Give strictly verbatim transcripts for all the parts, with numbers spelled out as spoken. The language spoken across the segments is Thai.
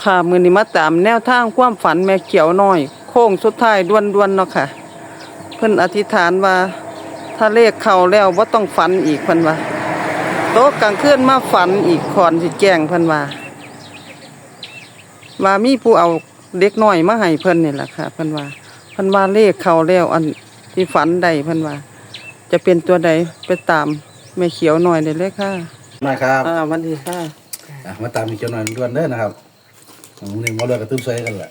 ค่ะมื้อนี้มาตามแนวทางความฝันแม่เขียวน้อยโค้งสุดท้ายด่วนๆเนาะค่ะเพิ่นอธิษฐานว่าถ้าเลขเข้าแล้วบ่ต้องฝันอีกเพิ่นว่าโตกลางคืนมาฝันอีกก่อนสิแจ้งเพิ่นว่าว่ามีผู้เอาเด็กน้อยมาให้เพิ่นนี่ล่ะค่ะเพิ่นว่าเพิ่นว่าเลขเข้าแล้วอันที่ฝันได้เพิ่นว่าจะเป็นตัวใดไปตามแม่เขียวน้อยได้เลยค่ะมาครับอ่าสวัสดีค่ะอ่ะมาตามมีเจ้าหน่อยด่วนเด้อนะครับผมนี่มาเลือกกระตุ้มสวยกันแหละ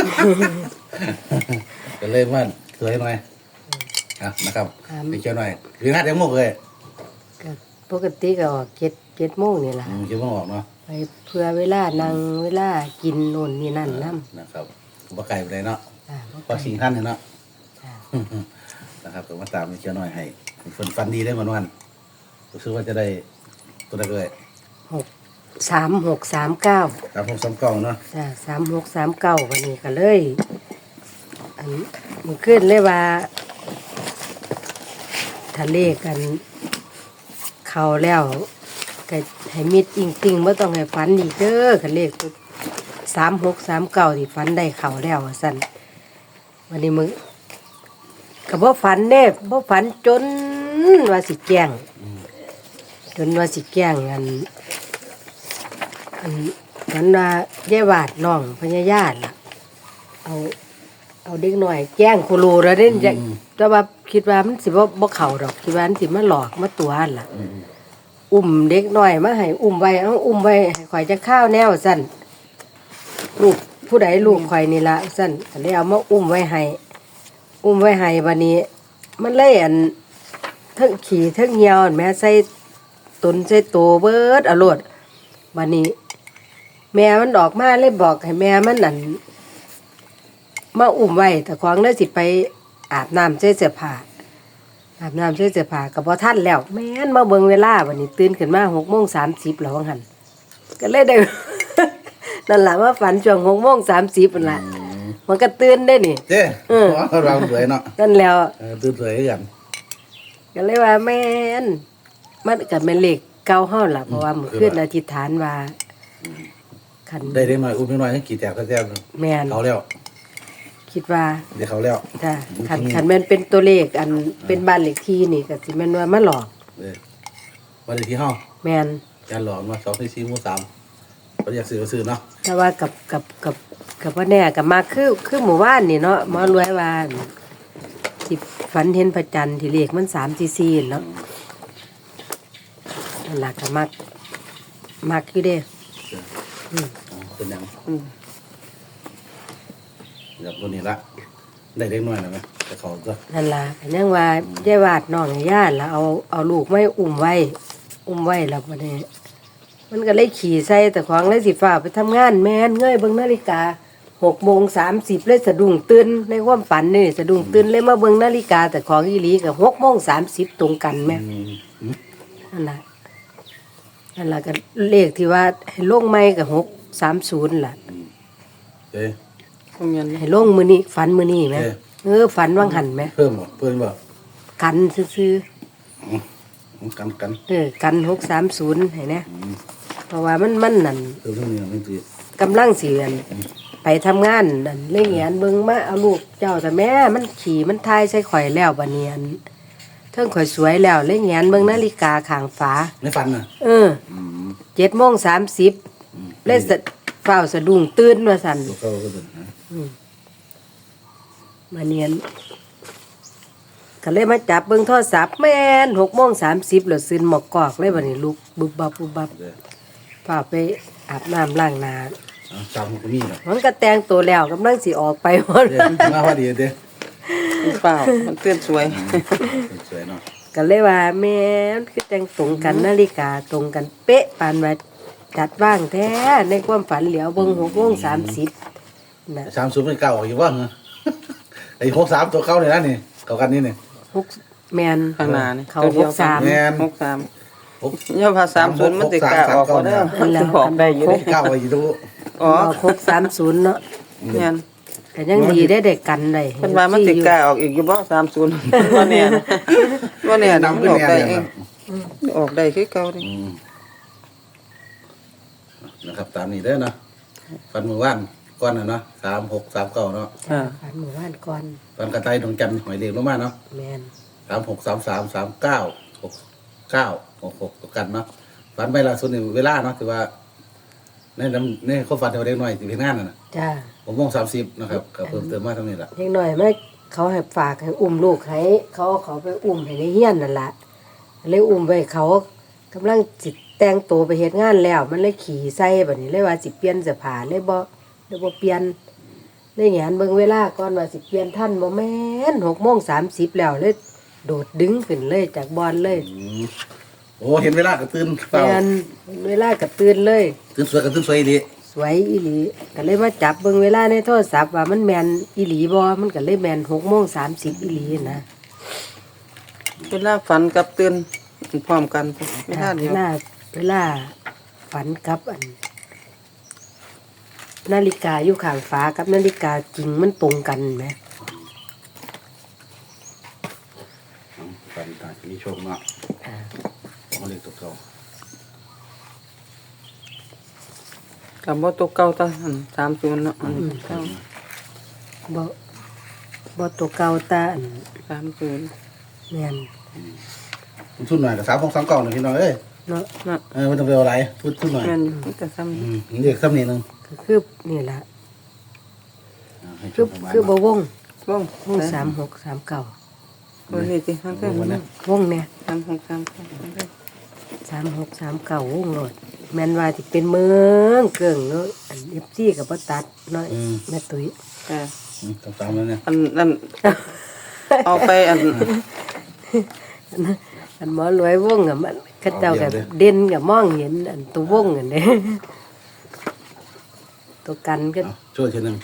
ก็เลยว่าสวยหน่อยอ่ะนะครับมีเจ้าหน่อยหรือนัดยังงกเลยก็ปกติก็ออกเจ็ดเจ็ดโมงนี่ล่ะอืมคิดว่าออกเนาะไปเพื่อเวลานั่งเวลากินโน่นนี่นั่นน้ำนะครับบ่ไก่ไปเลยเนาะอ่าบ่พอสิ่งท่านเนี่ยเนาะจ้ะนะครับก็มาตามมีเจ้าหน่อยให้ฝนฟันดีได้เหมือนวันรู้สึกว่าจะได้ตัวใดเลยหกสามหกสามเก้าครับผมซ้ำเก่าเนาะจ้ะสามหกสามเก้าวันนี้ก็เลยอันมันขึ้นเลยว่าทะเลกันเข้าแล้วก็ให้มิดอิงติงไม่ต้องให้ฝันอีกเด้อกันเลขสามหกสามเก้าที่ฝันได้เข้าแล้วว่าสั่นวันนี้มึง ก็บ่ฝันเด้บ่ฝันจนว่าสิแจ้งจนว่าสิแจ้งอันอันฝันว่าแย่วาดน้องพญาญาติล่ะเอาเอาเด็กหน่อยแจ้งครูแล้วเด้จะแต่ว่าคิดว่ามันสิบ่บ่เข้าดอกคิดว่ามันสิมาหลอกมาตัวหั่นล่ะอุ้มเด็กน้อยมาให้อุ้มไว้เอาอุ้มไว้ให้ข่อยจะข้าวแนวซั่นลูกผู้ใดลูกข่อยนี่ล่ะซั่นก็เลยเอามาอุ้มไว้ให้ อุ้มไว้ให้บัดนี้มันเลยอันทั้งขี่ทั้งเหี่ยวอันแม่ใส่ตนใส่โตเบิดอรรถบัดนี้ แม่มันออกมาเลยบอกให้แม่มันนั่นมาอุ้มไว้แต่ของเลยสิไปอาบน้ำใส่เสื้อผ้าอาบน้ำใส่เสื้อผ้าก็บ่ทันแล้วแม่นมาเบิ่งเวลาบัดนี้ตื่นขึ้นมาหกโมงสามสิบแล้วว่าหั่นก็เลยได้ นั่นล่ะมาฝันช่วงหกโมงสามสิบนั่นล่ะมันก็ตื่นได้นี่เจ้เออเราสวยเนาะนั่นแล้วเออตื่นสวยกันก็เลยว่าแม่นมันก็แม่นเลขเก่าเฮาล่ะเพราะว่ามื้อคืนอธิษฐานว่าคันได้ได้หน่อยอุ้มนิดหน่อยให้กี่แตกก็แตกแม่นเขาแล้วคิดว่าเดี๋ยวเขาแล้วจ้ะคันคันแม่นเป็นตัวเลขอันเป็นบ้านเลขที่นี่ก็สิแม่นว่ามาหลอกเออวันเดียวที่ห้องแม่นจานหลอกมาสองสี่สี่หมู่สามเขาอยากซื้อก็ซื้อเนาะแต่ว่ากับกับกับกับว่าแน่ก็มาคือคือหมู่บ้านนี่เนาะหมอรวยว่าที่ฝันเห็นพระจันทร์ที่เลขมันสามสี่สี่เนาะนั่นล่ะก็มักมักอยู่เด้อ๋อเป็นหยังอืมแบบตัวนี้ละได้เล็กน้อยนะไหมแต่เขาก็นั่นล่ะก็ยังว่าได้วาดน้องให้ญาติแล้วเอาเอาลูกไม่อุ้มไว้ อุ้มไว้แล้วบัดนี้มันก็เลยขี่ใส่แต่ของเลยสิฟ้าไปทำงานแม่นเงยเบิ่งนาฬิกาหกโมงสามสิบเลยสะดุ้งตื่นในความฝันนี่สะดุ้งตื่นเลยมาเบิ่งนาฬิกาแต่ของอีหลีกับหกโมงสามสิบตรงกันแม่อืมอืมนั่นล่ะนั่นล่ะก็เลขที่ว่าให้ลงไม้กับหกสามศูนย์ล่ะเอ้ยคงยันให้ลงมือนี้ฝันมือนี้ไหมเอ้ยเออฝันว่างหันไหมเพิ่มบ่เพิ่มบ่กันซื้ออืมกันกันๆเออกันหกสามศูนย์ให้นะอืมเพราะว่ามันมันนั่นเพิ่มเท่านี้นะไม่ตีกำลังเสียนไปทำงานนั่นเล่งเงียนเบิ่งมาเอาลูกเจ้าแต่แม่มันขี่มันทายใส่ข่อยแล้วบัดเนียนเทิงข่อยสวยแล้วเล่งเงียนเบิ่งนาฬิกาข้างฝาไม่ฟันน่ะเอออืมเจ็ดโมงสามสิบอืมเลยสะเฝ้าสะดุ้งตื่นว่าสั่นตัวเขาก็เป็นนะมาเนียนก็เลยมาจับเบิ่งโทรศัพท์แม่นหกโมงสามสิบแล้วซึนหมอกกอกเลยบัดนี้ลุกบุบบับบุบบับเด้อพาไปอาบน้ำล้างหน้าเอาจำมันก็มีเนาะมันก็แต่งตัวแล้วกำลังสิออกไปหมดเด้อมาพอดีเด้อเปล่ามันเตือนสวยสวยเนาะก็เลยว่าแม่นคือแต่งตรงกันนาฬิกาตรงกันเป๊ะปานว่าจัดว่างแท้ในความฝันเหลียวเบิ่งหกโมงสามสิบน่ะสามศูนย์เป็นเก่าอยู่ว่าเหรอไอ้หกสามตัวเก่าเนี่ยนะนี่เก่ากันนี่เนี่ยหกแมนข้างหน้านี่เขาตัวเดีหยวกสามแม่นหกสามหกย่อภาษาสามศูนย์มันติกล้าออกก็ได้มันสิออกได้อยู่เด้เก่าไอ้ดูอ๋อหกสามศูนย์เนาะเนี่ยแต่ยังดีได้เด็กกันได้เพิ่นว่ามันติกล้าออกอีกอยู่บ่สามศูนย์บ่แน่นะบ่แน่นะมันออกได้เองออกได้คือเก่าเด้อืมนะครับตามนี้เด้อนะคฝันมือว่านก้อนน่ะเนาะสามหกสามเก้าเนาะอ่าฝันหมู่บ้านก่อนฝันกระต่ายดวงจันทร์หอยเล็กลงมาเนาะแม่นสามหกสามสามสามเก้าหกเก้าหกหกตัวกันเนาะฝันไปล่าสุดนี่เวลาเนาะถือว่าในน้ำในเขาฝันเท่าเด็กน้อยสิเป็นงานน่ะนะจ้าผมมองสามสิบนะครับก็เพิ่มเติมมาเท่านี้แหละเล็กน้อยมาเขาให้ฝากให้อุ้มลูกให้เขาเอาเขาไปอุ้มให้ในเฮียนนั่นล่ะเลยอุ้มไว้เขากำลังสิแต่งตัวไปเฮ็ดงานแล้ว มันเลยขี่ใส่บัดนี้เลยว่าสิเปลี่ยนเสื้อผ้าเลยบ่เลยบ่เปลี่ยนเลยแหงนเบิ่งเวลาก่อนว่าสิเปลี่ยนทันบ่แม่นหกโมงสามสิบแล้วเลยโดดดึงขึ้นเลยจากบอนเลยอืมโอ้เห็นเวลาก็ตื่นเปล่าแม่นเวลาก็ตื่นเลยตื่นสวยก็ตื่นสวยดีสวยอีหลีก็เลยมาจับเบิ่งเวลาในโทรศัพท์ว่ามันแม่นอีหลีบ่มันก็เลยแม่นหกโมงสามสิบอีหลีนะเวลาฝันกับตื่นพร้อมกันเวลาเวเดียวลาเวลาฝันกับอัน นาฬิกาอยู่ข้างฟ้ากับนาฬิกาจริงมันตรงกันไหมฝันตามีโชคเนาะอ่าเอาเล็กตัวเก่ากับบ่ตัวเก่าตาอันสามศูนย์เนาะอันนี้เก่าบ่บ่ตัวเก่าตาอันสามศูนย์แม่นทุนหน่อยกับสามหกสามเก้าหนึ่งพี่น้องเอ้ยเนาะน่ะเออไม่ต้องไปเอาอะไรทุนทุนหน่อยแม่นมันก็ซ้ำอืมเรียกซ้ำนิดนึงก็คือนี่ล่ะอ่าให้คือโชประมาณคือบ่วงว่องวงสามหกสามเก้าตัวนี้สิทั้งเท่านี้วงเนี่ยสามหกสามเก้าสามหกสามเก้าวงโลดแม่นว่าสิเป็นเมืองเกิ่งเนาะอัน เอฟ ซี ก็บ่ตัดเนาะแม่ตุ้ยอ่าอืมสามๆแล้วเนี่ยอันนั้นเอาไปอันอันหมอรวยวงอ่ะมันเขาเจ้าก็เด่นก็มองเห็นอันตัววงอันนี้ ตัวกันก็เอาช่วยทีหนึง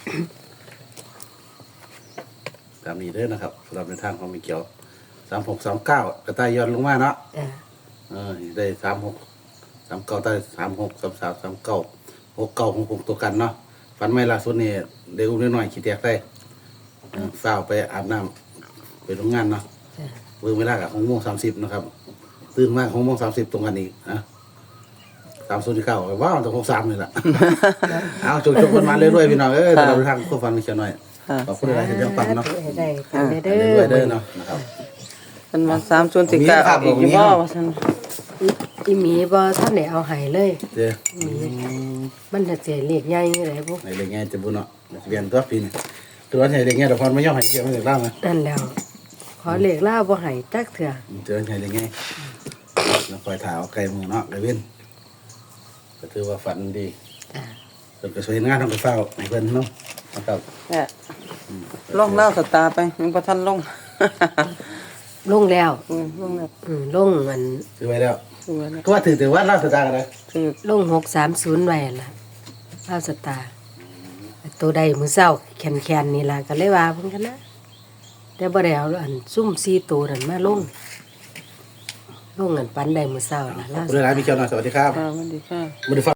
ตามนี้เด้อนะครับสำหรับในทางของมีเกี่ยวสามหกสามเก้ากระต่ายย้อนลงมาเนาะอ่าเออได้สามหกสามเก้าได้สามหกสามสามสามเก้าหกเก้าหกหกตัวกันเนาะฝันไม่ล่าสุดนี่เด็กอุ้มน้อยๆขี้แตกได้เออฝ้าวไปอาบน้ำไปโรงงานเนาะจ้ะเบิ่งเวลากับหกโมงสามสิบนะครับตื่นมากหกโมงสามสิบตรงกันอีกนะสามศูนย์เก้าว้าวตรงหกสามเลยล่ะ เอาจบๆกันมาเรื่อยๆพี่น้องเอ้ยเราทางคู่ฟันเชียวหน่อยอ่าขอบคุณอะไรที่ยังฟังเนาะให้ได้กันได้เด้เรื่อยๆอเด้อเนาะนะครับมันมาสามศูนย์สิกาออกอีกอยู่บ่ว่าซั่นอีอีหมีบ่ท่านได้เอาให้เลยเด้อหมีมันจะเสียเลขใหญ่จังได๋บ่ในเรื่องไงจะบุญเนาะเรียนตัวปีนตัวนี้เรื่องไงเดี๋ยวพรไม่ย่อให้เกี่ยวไม่ถึงล่างนะนั่นแล้ว ขอเลขลาวบ่ให้จักเทื่อเจอไงเรื่องไงแล้วคอยถาวไกลมือเนาะไกลเว้นก็ถือว่าฝันดีจ้ะจนกระสวยงานทำกระเฝ้าให้เพิ่นเนาะนะครับแหละลงเล่าสตาร์ไปยังบ่ทันลงลงแล้วอืมลงแล้วอืมลงมันซื้อไว้แล้วสวยแล้วก็ว่าถือถือว่าราชการอะไรคือลงหกสามศูนย์ไว้นั่นล่ะลาวสตาร์ตัวใดมื้อเช้าแคนๆนี่ล่ะก็เลยว่าเพิ่นกันนะแต่บ่ได้เอาอันซุ่มสี่ตัวนั่นมาลงลงอันปันได้มื้อเช้าล่ะลาวคุณหลายมีเกี่ยวหน่อยสวัสดีครับอ่าสวัสดีค่ะบริฟ้า